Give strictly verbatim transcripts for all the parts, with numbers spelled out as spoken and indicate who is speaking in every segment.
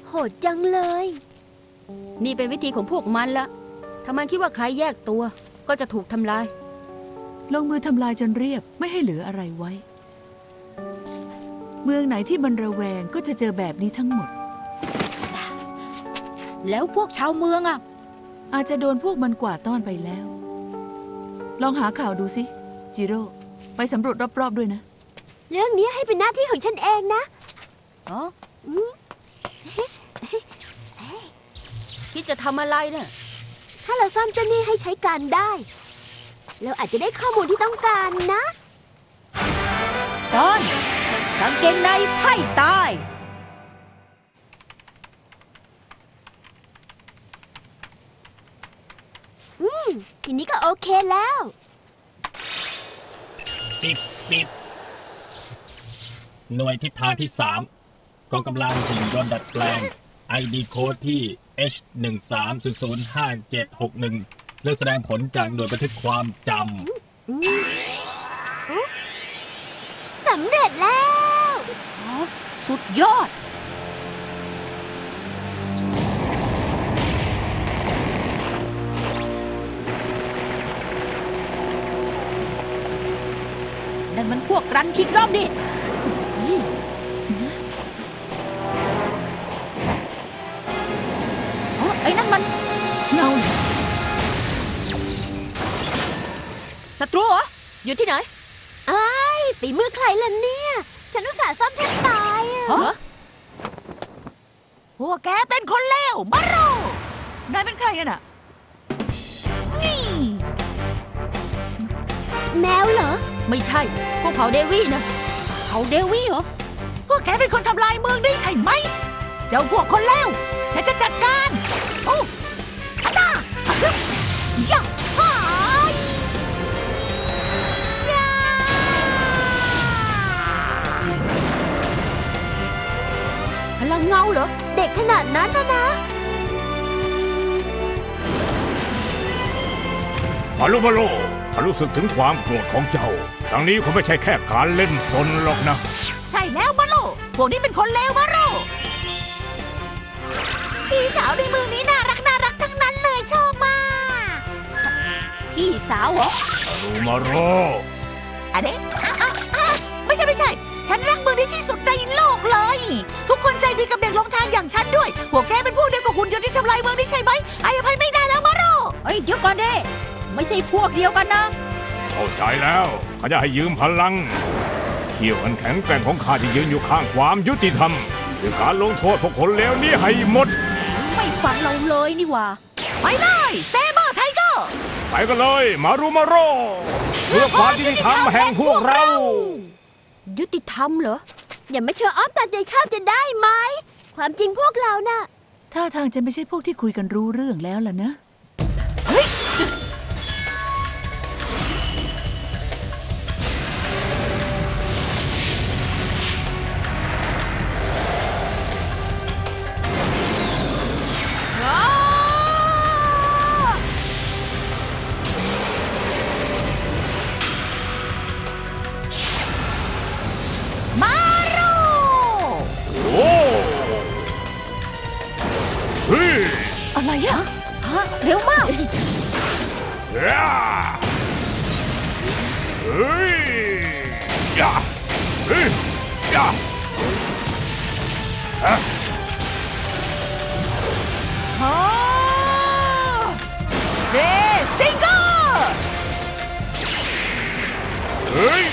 Speaker 1: โหดจังเลย
Speaker 2: นี่เป็นวิธีของพวกมันละถ้ามันคิดว่าใครแยกตัวก็จะถูกทำลาย
Speaker 3: ลงมือทำลายจนเรียบไม่ให้เหลืออะไรไว้เมืองไหนที่มันระแวงก็จะเจอแบบนี้ทั้งหมด
Speaker 4: แล้วพวกชาวเมืองอ่ะ
Speaker 3: อาจจะโดนพวกมันกวาดต้อนไปแล้วลองหาข่าวดูสิจิโร่ไปสำรวจรอบๆด้วยนะ
Speaker 1: เรื่องนี้ให้เป็นหน้าที่ของฉันเองนะ
Speaker 4: อ๋อ
Speaker 2: คิดจะทำอะไรเนี่ย
Speaker 1: ถ้าเราซ่อมเจ้านี่ให้ใช้การได้เราอาจจะได้ข้อมูลที่ต้องการนะ
Speaker 4: ตอนกางเกงในไพ่ตาย
Speaker 1: อืมทีนี้ก็โอเคแล้ว
Speaker 5: ปิดปิดหน่วยทิศทางที่สามกองกำลังหุ่นยนต์ดัดแปลง ไอ ดี โค้ดที่ เอช หนึ่ง สาม ศูนย์ ศูนย์ ห้า เจ็ด หก หนึ่ง เลือกแสดงผลจากหน่วยบันทึกความจำ
Speaker 1: สำเร็จแล้ว
Speaker 4: สุดยอดนั่นมันพวกรันคิงดอมดิอ๋อไอ้นั่นมันเงาศัตรูเหรอ
Speaker 2: อยู่ที่ไหน
Speaker 1: ไอ้ฝีมือใครล่ะเนี่ยฉันอุตส่าห์ซ่อมแทบตายอ่ะ
Speaker 3: พวกแกเป็นคนเลวมาโรนายเป็นใครกันอ่ะนี่
Speaker 1: แมวเหรอ
Speaker 2: ไม่ใช่พวกเผ่าเดวี่นะ
Speaker 4: เผ่าเดวี่เหรอ
Speaker 3: พวกแกเป็นคนทำลายเมืองได้ใช่ไหมเจ้าพวกคนเลวฉันจะจัดการโอ้ฮัตตาฮึย่าฮ่ายา
Speaker 2: พลังเงาเหรอ
Speaker 1: เด็กขนาดนั้นนะนะ
Speaker 6: มาโลมาโลข้ารู้สึกถึงความโกรธของเจ้าครั้งนี้คงไม่ใช่แค่การเล่นซนหรอกนะ
Speaker 3: ใช่แล้วมาโลพวกนี้เป็นคนเลวมาโลพี่สาวในเมืองนี้น่ารักน่ารักทั้งนั้นเลยชอบมาก
Speaker 4: พี่สาวเหรอ
Speaker 6: รูมาโร
Speaker 3: อะเด็กไม่ใช่ไม่ใช่ฉันรักเมืองนี้ที่สุดในโลกเลยทุกคนใจดีกับเด็กหลงทางอย่างฉันด้วยพวกแกเป็นพวกเดียวกับหุ่นยนต์ที่ทำลายเมืองนี้ใช่ไหมอภัยไม่ได้แล้วมาโร
Speaker 4: เฮ้ยเดี๋ยวก่อนเด้ไม่ใช่พวกเดียวกันนะ
Speaker 6: เข้าใจแล้วข้าจะให้ยืมพลังเขี่ยวอันแข็งแกร่งของข้าที่ยืนอยู่ข้างความยุติธรรมด้วยการลงโทษพวกคนเลวนี้ให้หมด
Speaker 4: ไม่ฟังเราเลยนี่ว่า
Speaker 3: ไปเลยเซเบอร์ไทเกอร์
Speaker 6: ไปกันเลยมารูมาโรเพื่อความยุติธรรมแห่งพวกเรา
Speaker 2: ยุติธรรมเหรอ
Speaker 1: อย่ามาเชื่ออ้อมตามใจชอบจะได้ไหมความจริงพวกเราน่ะ
Speaker 3: ท่าทางจะไม่ใช่พวกที่คุยกันรู้เรื่องแล้วล่ะนะเฮ้ยอะไรอะ
Speaker 4: ฮะเร็วมาก
Speaker 6: เฮ้ยยาเฮ้ยยาฮะ
Speaker 3: ฮะเรสติงเกอร์
Speaker 6: เฮ้ย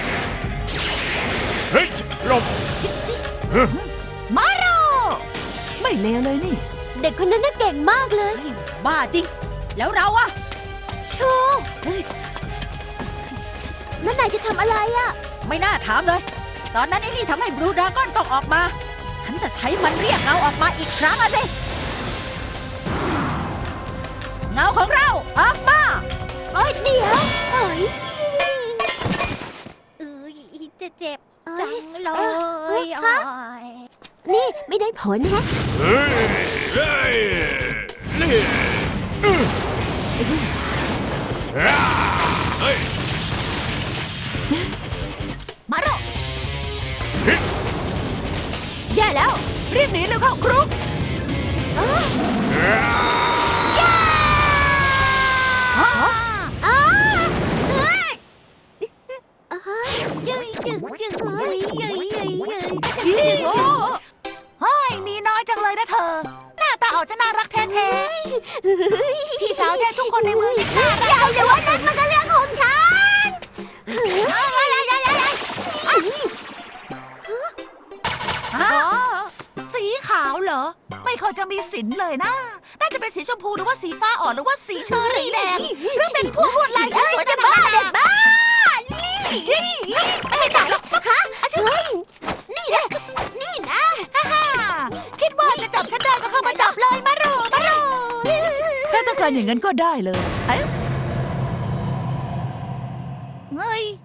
Speaker 6: เฮ้ยหลบ
Speaker 3: มาโรไม่เลวเลยนี่
Speaker 1: เด็กคนนั้นน่าเก่งมากเลย
Speaker 4: บ้าจริงแล้วเราอะ
Speaker 1: โชว์นั่นนายจะทำอะไรอะ
Speaker 4: ไม่น่าถามเลยตอนนั้นไอ้นี่ทำให้บลูดราก้อนต้องออกมาฉันจะใช้มันเรียกเงาออกมาอีกครั้งอะสิเงาของเราออกมา
Speaker 1: โอ๊ยเดี๋ยวโอ๊ย
Speaker 4: เออจะเจ็บจังเลย
Speaker 1: นี่ไม่ได้ผลฮะ
Speaker 6: เฮ้ยเฮ้ยนี่เฮ้ย
Speaker 3: มาโร
Speaker 2: แย่แล้ว
Speaker 3: รีบหนีเร็วเข้าครุกเฮ้ยมีน้อยจังเลยนะเธอหน้าตาออกจะน่ารักแท้ๆพี่สาวแท้ทุกคนในเมืองนี่น่ารัก
Speaker 1: อย่าเดี๋ยวว่านั่นมันก็เรื่องของฉัน
Speaker 3: สีขาวเหรอไม่เคยจะมีสินเลยนะน่าจะเป็นสีชมพูหรือว่าสีฟ้าอ่อนหรือว่าสีเชอรี่แดงหรือเป็นพวกลวดลายสวยๆจะบ้าเด็กบ้านี่นี่ไม่ให้จับหรอกฮะเฮ้ยนี่นะนี่นะฮ่าคิดว่าจะจับฉันได้ก็เข้ามาจับเลยมารูมารูถ้าต้องการอย่างนั้นก็ได้เลยเอ้ยเฮ้ย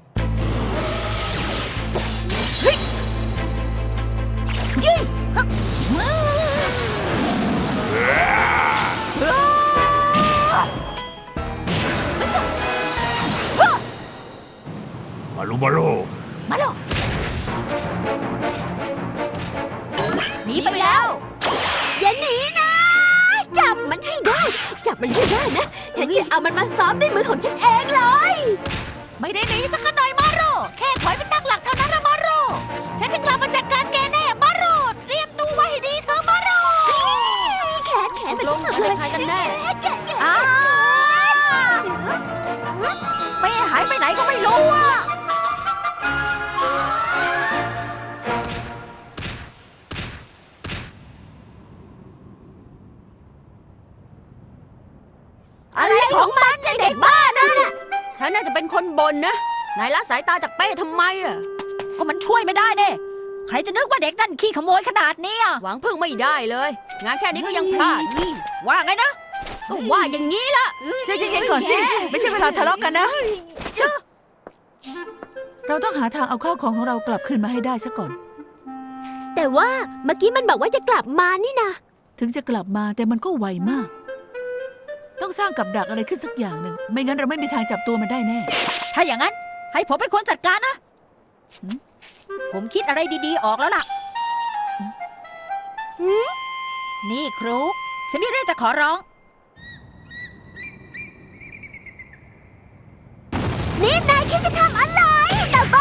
Speaker 3: เฮ้ยยี่
Speaker 6: มาลูมาลู
Speaker 3: มาแล้ว
Speaker 2: หนีไปแล้ว
Speaker 1: อย่าหนีนะ จับมันให้ได้ จับมันให้ได้นะฉันจะเอามันมาซ้อมด้วยมือของฉันเองเลย
Speaker 3: ไม่ได้หนีสักหน่อยมาโรแค่ถอยเป็นตั้งหลักเท่านั้นนะมาโรฉันจะกลับมาจัดการแกแน่มาโรเตรียมตัวไว้ให้ดีเถอะมาโร
Speaker 1: แขนแขนเป็น
Speaker 2: ล
Speaker 1: ที่
Speaker 2: ง
Speaker 1: สุด
Speaker 2: เป็
Speaker 1: เลย
Speaker 2: นใครกันแน่
Speaker 3: อ้าไม่หายไปไหนก็ไม่รู้อ่ะอะไรของมันเด็กบ้านั่นน่ะ
Speaker 2: ฉันน่าจะเป็นคนบ่นนะนายละสายตาจากเป้ทำไมอ่ะ
Speaker 4: ก็มันช่วยไม่ได้เนี่ยใครจะนึกว่าเด็กนั่นขี้ขโมยขนาดนี้อ่ะ
Speaker 2: หวังพึ่งไม่ได้เลย งานแค่นี้ก็ยังพลาด
Speaker 4: ว่าไงนะ
Speaker 2: ก็ว่าอย่างนี้ละ
Speaker 3: ใจเย็นๆก่อนสิ ไม่ใช่เวลาทะเลาะกันนะ เราต้องหาทางเอาข้าวของของเรากลับคืนมาให้ได้ซะก่อน
Speaker 1: แต่ว่าเมื่อกี้มันบอกว่าจะกลับมานี่นะ
Speaker 3: ถึงจะกลับมาแต่มันก็ไวมาก ต้องสร้างกับดักอะไรขึ้นสักอย่างหนึ่ง ไม่งั้นเราไม่มีทางจับตัวมันได้แน่
Speaker 4: ถ้าอย่างนั้น ให้ผมเป็นคนจัดการนะหืมผมคิดอะไรดีๆออกแล้วล่ะหืมนี่ครูฉันมีเรื่องจะขอร้อง
Speaker 1: นี่นายคิดจะทำอะไรแต่บ้า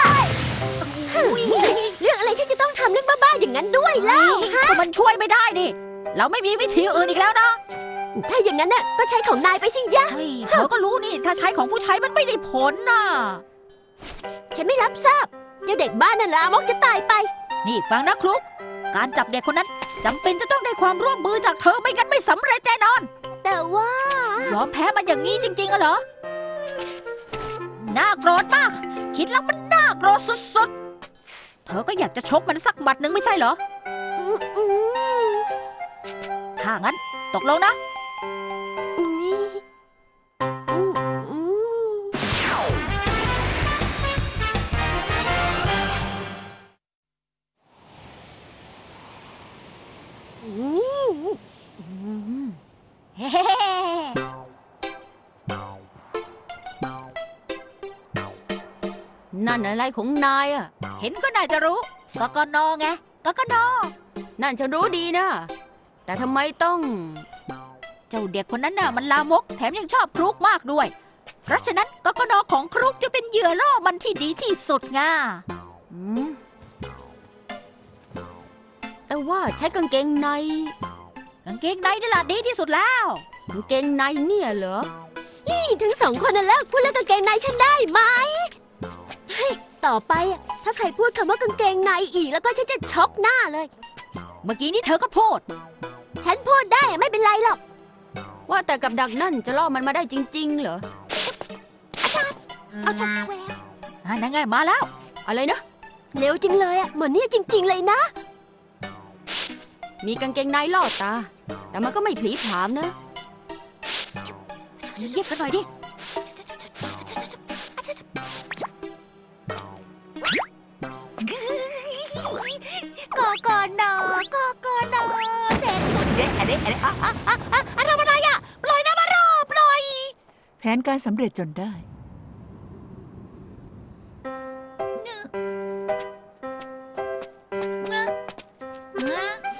Speaker 1: เรื่องอะไรฉันจะต้องทำเรื่องบ้าๆอย่างนั้นด้วยเล่าฮะ
Speaker 4: ก็มันช่วยไม่ได้ดิ เราไม่มีวิธีอื่นอีกแล้วนะ
Speaker 1: ถ้าอย่างนั้นน่ะก็ใช้ของนายไปสิยะ
Speaker 4: เฮ้ยเธอก็รู้นี่ ถ้าใช้ของผู้ใช้มันไม่ได้ผลน่ะ
Speaker 1: ฉันไม่รับทราบ เจ้าเด็กบ้านนั่นลามกจะตายไป
Speaker 4: นี่ฟังนะครูการจับเด็กคนนั้นจำเป็นจะต้องได้ความร่วมมือจากเธอไม่งั้นไม่สำเร็จแน่นอน
Speaker 1: แต่ว่า
Speaker 4: ยอมแพ้มันอย่างนี้จริงๆอะเหรอ น่าโกรธมาก คิดแล้วมันน่าโกรธสุดๆ เธอก็อยากจะชกมันสักหมัดหนึ่งไม่ใช่เหรอ
Speaker 1: อืมอืม
Speaker 4: ถ้างั้น ตกลงนะ
Speaker 1: อืมอืมอืม
Speaker 4: เฮ้
Speaker 2: นั่นอะไรของนายอ่ะ
Speaker 4: เห็นก็น่าจะรู้กกนไงกกน
Speaker 2: นั่นฉันรู้ดีนะ แต่ทำไมต้อง
Speaker 4: เจ้าเด็กคนนั้นน่ะมันลามก แถมยังชอบครุกมากด้วย เพราะฉะนั้นกกนของครุกจะเป็นเหยื่อล่อมันที่ดีที่สุดไง
Speaker 2: อืมแต่ว่าใช้กางเกงใน
Speaker 4: กางเกงในนี่แหละดีที่สุดแล้ว
Speaker 2: กางเกงในเนี่ยเหรอ
Speaker 1: นี่ทั้งสองคนน่ะเลิกพูดเรื่องกางเกงในฉันได้ไหมเฮ้ยต่อไปอะถ้าใครพูดคำว่ากางเกงในอีกแล้วก็ฉันจะชกหน้าเลย
Speaker 4: เมื่อกี้นี้เธอก็พูด
Speaker 1: ฉันพูดได้อะไม่เป็นไรหรอก
Speaker 2: ว่าแต่กับดักนั่นจะล่อมันมาได้จริง ๆ เหรอ
Speaker 1: เอาชักแวว
Speaker 4: อ่านั่นไงมาแล้ว
Speaker 2: อะไรนะ
Speaker 1: เร็วจริงเลยอ่ะเหมือนเนี่ยจริง ๆ เลยนะ
Speaker 2: มีกางเกงในล่อตา แต่มันก็ไม่ผลีผามนะ
Speaker 4: เงียบกันหน่อยดิ
Speaker 3: กกนกกนเสร็จสุดเย้อะไรอะไรอะอะอะอะอะทำอะไรอะปล่อยนะมาโรปล่อย แผนการสำเร็จจนได้เงอะเงอะ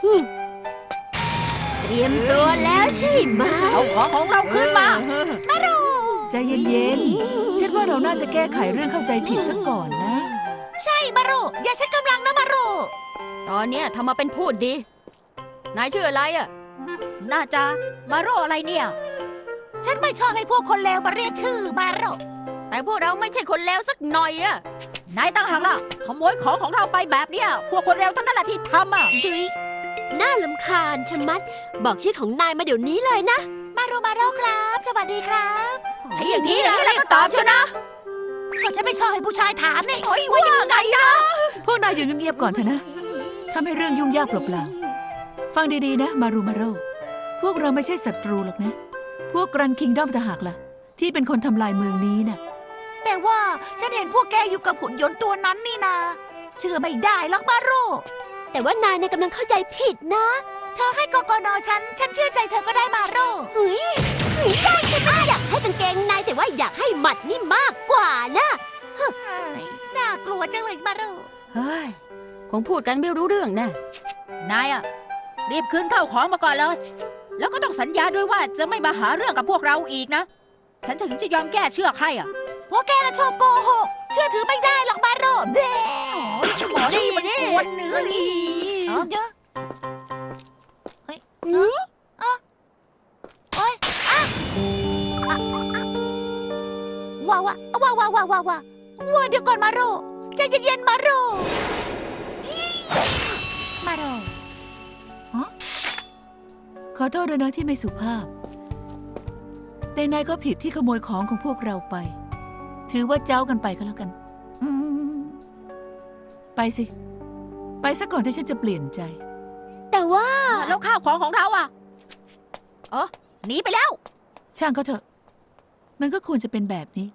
Speaker 1: เตรียมตัวแล้วใช่ไหม
Speaker 4: เอาของของเราคืนมา
Speaker 3: ใจเย็นๆฉันว่าเราน่าจะแก้ไขเรื่องเข้าใจผิดซะก่อนนะ ใช่มารุอย่าใช้กำลังนะมารุ
Speaker 2: ตอนเนี้ยทำมาเป็นพูดดี นายชื่ออะไรอ่ะ
Speaker 4: น่าจะมาโรอะไรเนี่ย
Speaker 3: ฉันไม่ชอบให้พวกคนเลวมาเรียกชื่อมารุ
Speaker 2: แต่พวกเราไม่ใช่คนเลวสักหน่อยอ่ะ
Speaker 4: นายตั้งหากล่ะขโมยของของเราไปแบบเนี้ยพวกคนเร็วเท่านั้นแหละที่ทำอ่ะ
Speaker 1: ดุยน่าลำคาญชะมัด บอกชื่อของนายมาเดี๋ยวนี้เลยนะ
Speaker 3: มารุมารุครับ สวัสดีครับ
Speaker 4: ไอ้อย่างนี้อย่างนี้แล้วก็ตอบเชียวนะ
Speaker 3: ก็ฉันไม่ชอบให้ผู้ชายถามนี่
Speaker 4: โอ้ยว่ายังไงนะ
Speaker 3: พวกนายอยู่เงียบๆก่อนเถอะนะทำให้เรื่องยุ่งยากเปล่าๆฟังดีๆนะมารุมารุพวกเราไม่ใช่ศัตรูหรอกนะ พวกกรันคิงดอมต่างหากล่ะ ที่เป็นคนทำลายเมืองนี้น่ะ แต่ว่าฉันเห็นพวกแกอยู่กับหุ่นยนต์ตัวนั้นนี่นาเชื่อไม่ได้หรอกมารุ
Speaker 1: แต่ว่านายเนี่ยกำลังเข้าใจผิดนะ
Speaker 3: เธอให้กกนฉัน ฉันเชื่อใจเธอก็ได้มารุ
Speaker 1: เฮ้ยเฮ้ยได้ฉันไม่ได้อยากให้กางเกงนายแต่ว่าอยากให้หมัดนี่มากกว่านะ
Speaker 3: เฮ้ยน่ากลัวจังเลยมารุ
Speaker 2: เฮ้ย คงพูดกันไม่รู้เรื่องแน่
Speaker 4: นายอ่ะรีบคืนเข้าของมาก่อนเลย แล้วก็ต้องสัญญาด้วยว่าจะไม่มาหาเรื่องกับพวกเราอีกนะ ฉันถึงจะยอมแก้เชือกให้อ่ะ
Speaker 3: พวกแกน่ะชอบโกหก เชื่อถือไม่ได้หรอกมารุเด้
Speaker 4: หมอนี่มันกวนเนื้อนี่
Speaker 3: เอาเยอะเฮ้ย
Speaker 1: หืม
Speaker 3: โอ๊ยอ่ะอ่ะอ่ะว้าวว้าวว้าวว้าวว้าวว้าวว้าวเดี๋ยวก่อนมารุใจเย็นๆมารุอี้มารุฮะขอโทษด้วยนะที่ไม่สุภาพ แต่นายก็ผิดที่ขโมยของของพวกเราไป ถือว่าเจ้ากันไปก็แล้วกัน อืมไปสิ ไปซะก่อนที่ฉันจะเปลี่ยนใจ
Speaker 1: แต่ว่า
Speaker 4: แล้วข้าวของของเราอ่ะเออหนีไปแล้ว
Speaker 3: ช่างก็เถอะ มันก็ควรจะเป็นแบบนี้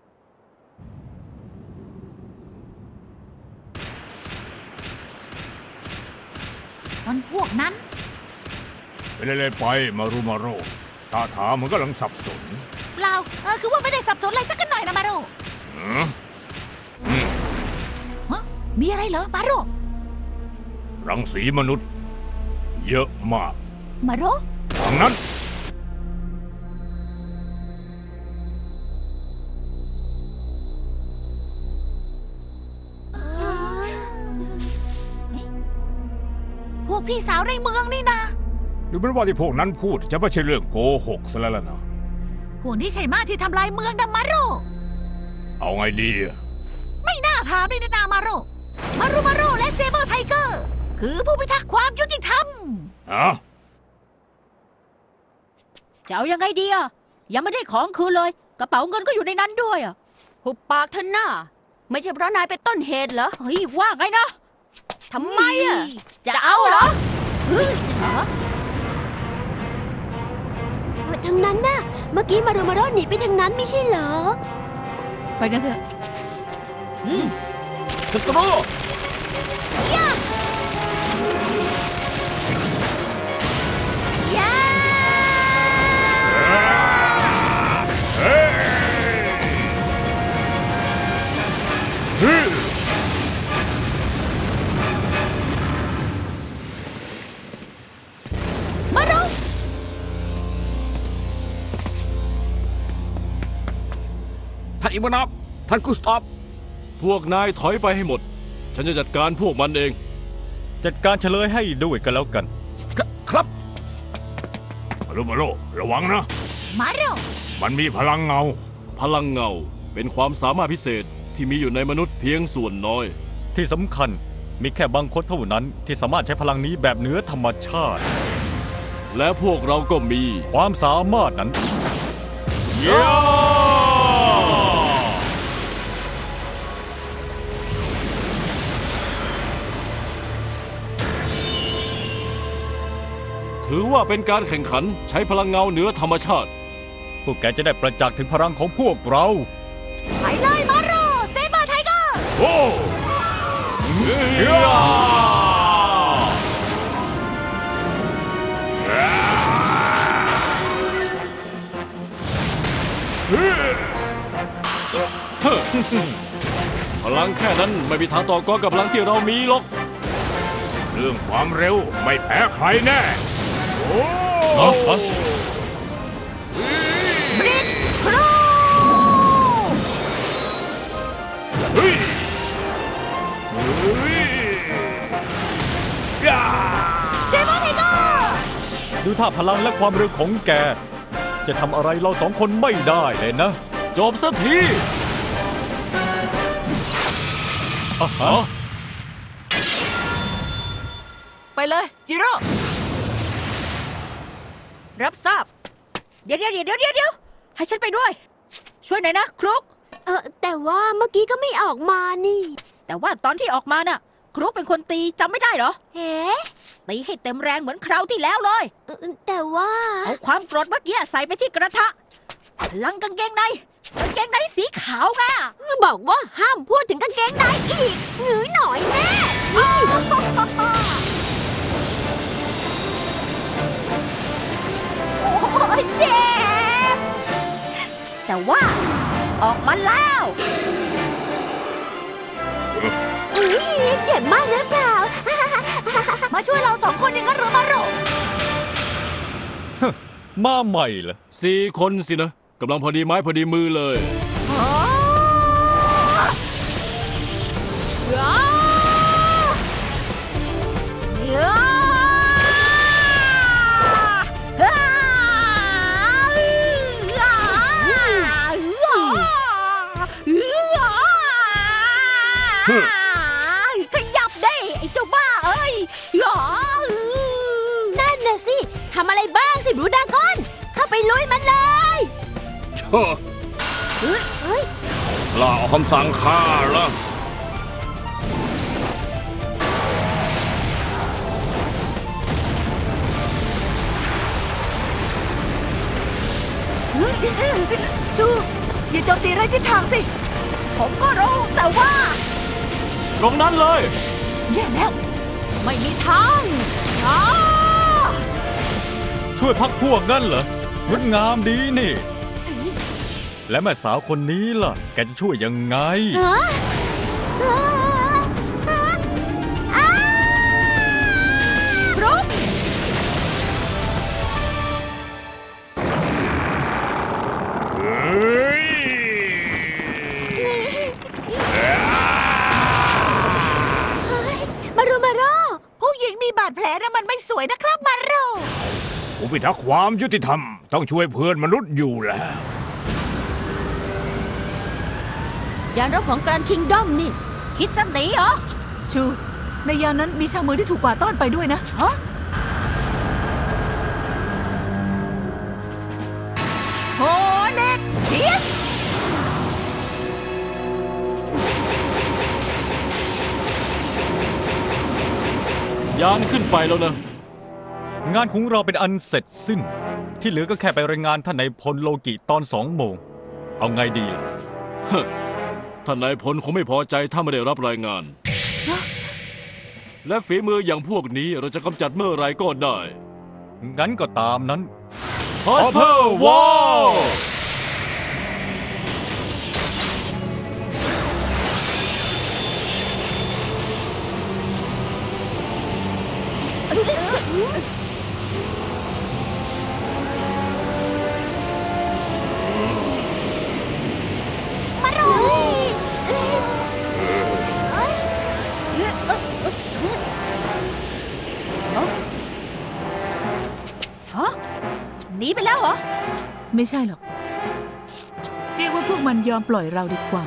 Speaker 3: มันพวกนั้น
Speaker 6: ไปเล่นๆไปมารุมาโรตาถามมันกำลังสับสน
Speaker 3: เปล่าเออคือว่าไม่ได้สับสนอะไรสักหน่อยนะมารุ
Speaker 6: หืออืม
Speaker 3: ฮะมีอะไรเหรอมารุ
Speaker 6: รังสีมนุษย์ เยอะมาก
Speaker 3: มารุ
Speaker 6: ทางนั้น
Speaker 3: พวกพี่สาวในเมืองนี่นะ
Speaker 6: ดูเหมือนว่าที่พวกนั้นพูดจะไม่ใช่เรื่องโกหกซะแล้วล่ะนะ
Speaker 3: พวกนี้ใช่มากที่ทำลายเมืองนะมารุ
Speaker 6: เอาไงดีอะ
Speaker 3: ไม่น่าถามเลยนะนามารุมารุมารุและเซเบอร์ไทเกอร์ คือผู้พิทักษ์ความยุติธรรม
Speaker 6: ฮะ
Speaker 4: จะเอายังไงดีอ่ะ ยังไม่ได้ของคืนเลย กระเป๋าเงินก็อยู่ในนั้นด้วยอ่ะ
Speaker 2: หุบปากเถอะหน้า ไม่ใช่เพราะนายเป็นต้นเหตุเหรอ
Speaker 4: เฮ้ยว่าไงนะ
Speaker 2: ทำไมอ่ะ
Speaker 4: จะเอาเหรอ
Speaker 1: ทางนั้นน่ะ เมื่อกี้มารุมาโรหนีไปทางนั้นไม่ใช่เหรอ
Speaker 3: ไปกันเถอะ
Speaker 5: ศัตรู
Speaker 6: เฮ้ยเฮ้ย
Speaker 3: มารุ
Speaker 7: ท่านอิมานอบท่านกุสตอฟพวกนายถอยไปให้หมด ฉันจะจัดการพวกมันเอง
Speaker 5: จัดการเฉลยให้ด้วยกันแล้วกัน
Speaker 7: คครับ
Speaker 6: มารุมาโรระวังนะ
Speaker 3: มารุ
Speaker 6: มันมีพลังเงา
Speaker 7: พลังเงาเป็นความสามารถพิเศษที่มีอยู่ในมนุษย์เพียงส่วนน้อย
Speaker 5: ที่สำคัญมีแค่บางคนเท่านั้นที่สามารถใช้พลังนี้แบบเหนือธรรมชาติ
Speaker 7: และพวกเราก็มี
Speaker 5: ความสามารถนั้น
Speaker 7: เย้ถือว่าเป็นการแข่งขันใช้พลังเงาเหนือธรรมชาติ
Speaker 5: พวกแกจะได้ประจักษ์ถึงพลังของพวกเรา
Speaker 3: ไปเลยมารุเซเบอร์ไทเกอร์
Speaker 6: โอ้เย้เฮ้ย
Speaker 7: พลังแค่นั้นไม่มีทางต่อกรกับพลังที่เรามีหรอก
Speaker 6: เรื่องความเร็วไม่แพ้ใครแน่ โอ้
Speaker 7: ฮะฮะ
Speaker 3: บริกครู
Speaker 6: เฮ้ยเฮ้ยย่า
Speaker 3: เจมอนไทเกอร์
Speaker 8: ดูท่าพลังและความเร็วของแก จะทำอะไรเราสองคนไม่ได้เลยนะ
Speaker 7: จบสักที
Speaker 8: อ่ะฮะ
Speaker 3: ไปเลยจิโร่
Speaker 4: รับทราบ เดี๋ยวเดี๋ยวเดี๋ยวเดี๋ยวเดี๋ยวให้ฉันไปด้วย ช่วยหน่อยนะครุก
Speaker 1: เออแต่ว่าเมื่อกี้ก็ไม่ออกมานี่
Speaker 4: แต่ว่าตอนที่ออกมาน่ะ ครุกเป็นคนตีจำไม่ได้เหรอ
Speaker 1: เฮ้
Speaker 4: ตีให้เต็มแรงเหมือนคราวที่แล้วเลย
Speaker 1: เออแต่ว่า
Speaker 4: เอาความโกรธเมื่อกี้ใส่ไปที่กระทะพลังกางเกงในกางเกงในสีขาวไง
Speaker 1: บอกว่าห้ามพูดถึงกางเกงในอีกหงือหน่อยแม่นี่
Speaker 4: โอ้ยเจ็บ แต่ว่าออกมาแล้ว
Speaker 1: เอ้ยเจ็บมากหรือเปล่า
Speaker 3: มาช่วยเราสองคนเองก็รู้มาโร
Speaker 8: มาใหม่เหรอ
Speaker 7: สี่คนสินะกำลังพอดีไม้พอดีมือเลย
Speaker 4: ขยับได้ไอ้เจ้าบ้าเอ้ยหรอ
Speaker 1: นั่นน่ะสิทำอะไรบ้างสิบรูดากอน เข้าไปลุยมันเลย
Speaker 7: เช่อ
Speaker 1: เฮ้ยเฮ้ย
Speaker 7: ลาออกคำสั่งข้าละ
Speaker 3: ชูอย่าโจมตีไร้ทิศทางสิ
Speaker 4: ผมก็รู้แต่ว่า
Speaker 7: ตรงนั้นเลย
Speaker 3: แย่แล้ว
Speaker 4: ไม่มีทางอ้า
Speaker 8: ช่วยพักพวกนั่นเหรอ งดงามดีนี่ และแม่สาวคนนี้ล่ะ แกจะช่วยยังไง
Speaker 1: ฮะอ่าอ่า
Speaker 4: รุก
Speaker 6: เฮ้ย
Speaker 1: เฮ้ยมารุมาโร
Speaker 3: ผู้หญิงมีบาดแผลนะมันไม่สวยนะครับมาโร
Speaker 6: ผู้พิทักษ์ความยุติธรรมต้องช่วยเพื่อนมนุษย์อยู่แล้ว
Speaker 2: ยานรบของแกรนด์คิงดอมนี่
Speaker 4: คิดจะหนีเหรอ
Speaker 3: ชู ในยามนั้นมีชาวเมืองที่ถูกกวาดต้อนไปด้วยนะ
Speaker 4: ฮะ
Speaker 3: โฮเน็ตเฮียส
Speaker 7: ยานขึ้นไปแล้วนะ
Speaker 8: งานของเราเป็นอันเสร็จสิ้น ที่เหลือก็แค่ไปรายงานท่านนายพลโลกิตอนสองโมง เอาไงดีล่ะ
Speaker 7: ท่านนายพลคงไม่พอใจถ้าไม่ได้รับรายงาน และฝีมืออย่างพวกนี้เราจะกำจัดเมื่อไรก็ได้
Speaker 8: งั้นก็ตามนั้น
Speaker 7: Hopper Wall
Speaker 1: มาโรเอ้ยเอ้ย
Speaker 4: ฮะ หนีไปแล้วเหรอ
Speaker 3: ไม่ใช่หรอก เรียกว่าพวกมันยอมปล่อยเราดีกว่า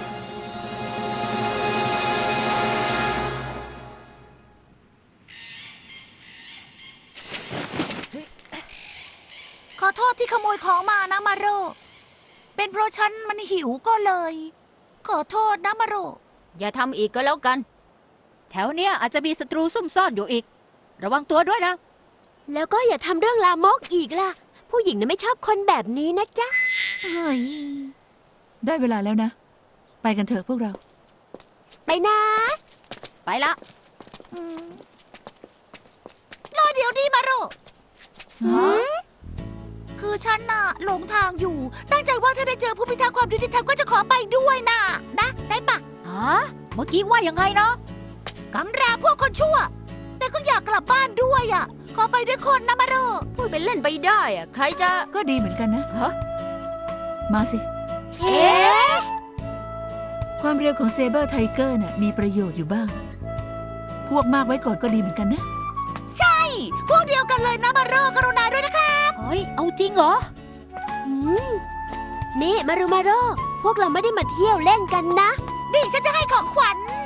Speaker 3: ขอโทษที่ขโมยของมานะมาโร เป็นเพราะฉันมันหิวก็เลย ขอโทษนะมาโร
Speaker 2: อย่าทำอีกก็แล้วกัน
Speaker 4: แถวเนี้ยอาจจะมีศัตรูซุ่มซ่อนอยู่อีก ระวังตัวด้วยนะ
Speaker 1: แล้วก็อย่าทำเรื่องลามกอีกล่ะ ผู้หญิงน่ะไม่ชอบคนแบบนี้นะจ๊ะ
Speaker 3: เฮ้ย ได้เวลาแล้วนะ ไปกันเถอะพวกเรา
Speaker 1: ไปนะ
Speaker 4: ไปละ
Speaker 3: รอเดี๋ยวนี้มาโร
Speaker 1: หืม
Speaker 3: คือฉันน่ะหลงทางอยู่ ตั้งใจว่าถ้าได้เจอผู้พิทักษ์ความยุติธรรมก็จะขอไปด้วยน่ะ นะ ได้ปะ
Speaker 4: ฮะ เมื่อกี้ว่ายังไงเนาะ
Speaker 3: กำราพวกคนชั่ว แต่นก็อยากกลับบ้านด้วยอ่ะ ขอไปด้วยคนนะมาโร
Speaker 2: พูดเป็นเล่นไปได้อะใครจะ
Speaker 3: ก็ดีเหมือนกันนะ
Speaker 2: ฮะ
Speaker 3: มาสิ
Speaker 1: เอ๊ะ
Speaker 3: ความเร็วของเซเบอร์ไทเกอร์น่ะมีประโยชน์อยู่บ้าง พวกมากไว้ก่อนก็ดีเหมือนกันนะ ใช่ พวกเดียวกันเลยนะมาโรกรุณาด้วยนะคะ
Speaker 4: เฮ้ย เอาจริงเหรอ
Speaker 1: อืมนี่มารุมาโรพวกเราไม่ได้มาเที่ยวเล่นกันนะ
Speaker 3: นี่ฉันจะให้ของขวัญ